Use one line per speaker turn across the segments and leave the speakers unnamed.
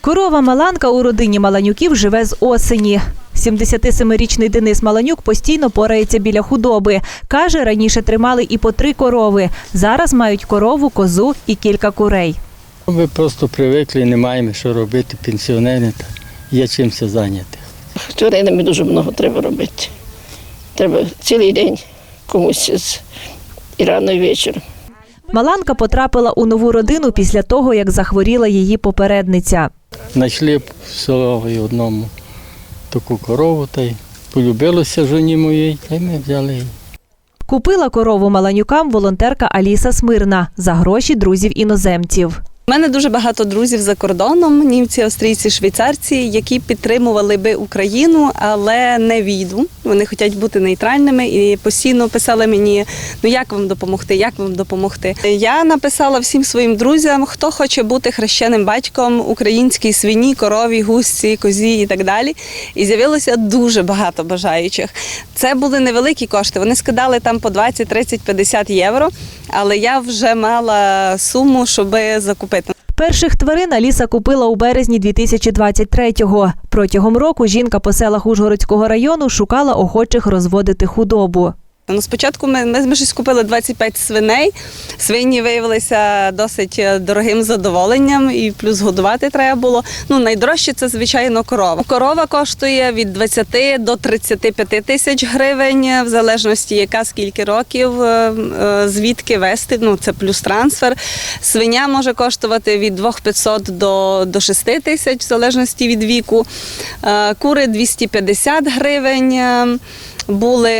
Корова Маланка у родині Маланюків живе з осені. 77-річний Денис Маланюк постійно порається біля худоби. Каже, раніше тримали і по 3 корови. Зараз мають корову, козу і кілька курей.
Ми просто привикли, не маємо що робити, пенсіонери, є чимся зайняти.
Тваринами дуже багато треба робити. Треба цілий день комусь і рано, і вечором.
Маланка потрапила у нову родину після того, як захворіла її попередниця.
Знайшли в селі одному таку корову, та й полюбилося жоні моїй, та й ми взяли її.
Купила корову Маланюкам волонтерка Аліса Смирна за гроші друзів-іноземців.
У мене дуже багато друзів за кордоном, німці, австрійці, швейцарці, які підтримували би Україну, але не війну. Вони хочуть бути нейтральними і постійно писали мені, як вам допомогти, як вам допомогти. Я написала всім своїм друзям, хто хоче бути хрещеним батьком українській свині, корові, гусці, козі і так далі. І з'явилося дуже багато бажаючих. Це були невеликі кошти, вони скидали там по 20, 30, 50 євро, але я вже мала суму, щоб закупити.
Перших тварин Аліса купила у березні 2023-го. Протягом року жінка по селах Ужгородського району шукала охочих розводити худобу.
Спочатку ми щось купили 25 свиней. Свині виявилися досить дорогим задоволенням і плюс годувати треба було. Найдорожче це, звичайно, корова. Корова коштує від 20 до 35 тисяч гривень, в залежності яка, скільки років, звідки вести, це плюс трансфер. Свиня може коштувати від 2500 до 6 тисяч, в залежності від віку. Кури 250 гривень. Були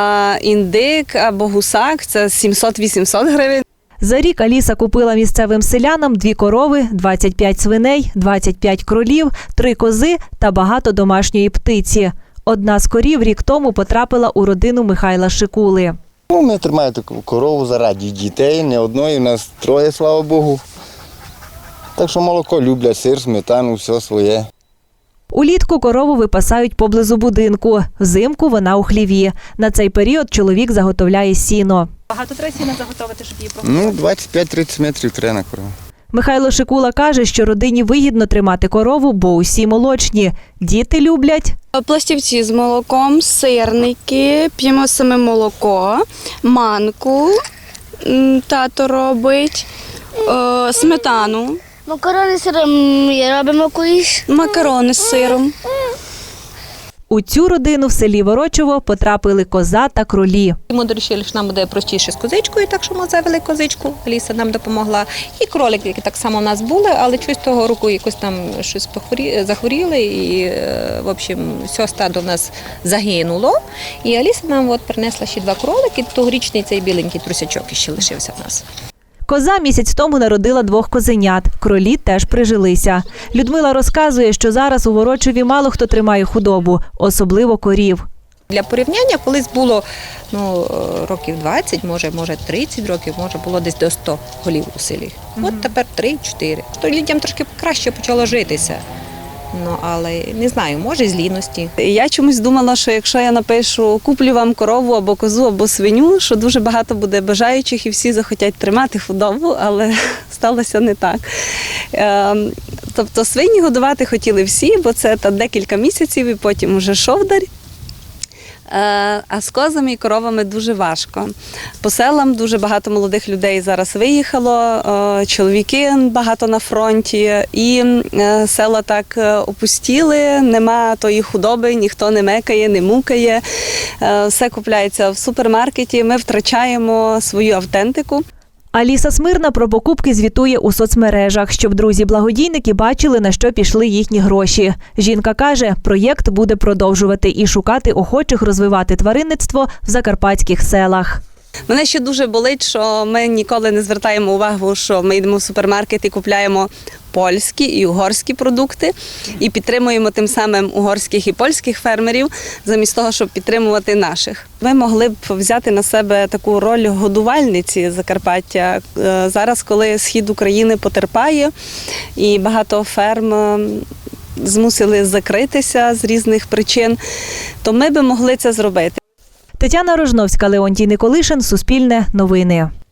індик або гусак, це 700-800 гривень.
За рік Аліса купила місцевим селянам 2 корови, 25 свиней, 25 кролів, 3 кози та багато домашньої птиці. Одна з корів рік тому потрапила у родину Михайла Шикули.
Ми тримаємо таку корову заради дітей, не одної, у нас 3, слава Богу. Так що молоко люблять, сир, сметану, все своє.
Улітку корову випасають поблизу будинку, взимку вона у хліві. На цей період чоловік заготовляє сіно.
Багато треба сіна заготовити, щоб її погодувати?
25-30 метрів треба на корову.
Михайло Шикула каже, що родині вигідно тримати корову, бо усі молочні. Діти люблять
пластівці з молоком, сирники, п'ємо саме молоко, манку тато робить, сметану.
Макарони з сиром робимо колись.
Макарони з сиром.
У цю родину в селі Ворочово потрапили коза та кролі.
Ми вирішили, що нам буде простіше з козичкою, так що ми завели козичку, Аліса нам допомогла. І кролики, які так само у нас були, але щось того року якось там щось захворіли і, в общем, все стадо в нас загинуло. І Аліса нам принесла ще 2 кролики, тогорічний цей біленький трусячок ще лишився в нас.
Коза місяць тому народила 2 козенят. Кролі теж прижилися. Людмила розказує, що зараз у Ворочові мало хто тримає худобу, особливо корів.
Для порівняння колись було років 20, може 30 років, може було десь до 100 голів у селі. От тепер 3-4. То людям трошки краще почало житися. Але не знаю, може з ліності.
Я чомусь думала, що якщо я напишу «куплю вам корову або козу, або свиню», що дуже багато буде бажаючих і всі захотять тримати худобу, але сталося не так. Тобто свині годувати хотіли всі, бо це декілька місяців і потім вже шовдар. А з козами і коровами дуже важко. По селам дуже багато молодих людей зараз виїхало, чоловіки багато на фронті, і села так опустіли, нема тої худоби, ніхто не мекає, не мукає, все купляється в супермаркеті, ми втрачаємо свою автентику.
Аліса Смирна про покупки звітує у соцмережах, щоб друзі-благодійники бачили, на що пішли їхні гроші. Жінка каже, проєкт буде продовжувати і шукати охочих розвивати тваринництво в закарпатських селах.
Мене ще дуже болить, що ми ніколи не звертаємо увагу, що ми йдемо в супермаркет і купляємо польські і угорські продукти і підтримуємо тим самим угорських і польських фермерів, замість того, щоб підтримувати наших. Ми могли б взяти на себе таку роль годувальниці Закарпаття. Зараз, коли схід України потерпає і багато ферм змусили закритися з різних причин, то ми би могли це зробити.
Тетяна Рожновська, Леонтій Николишин, Суспільне новини.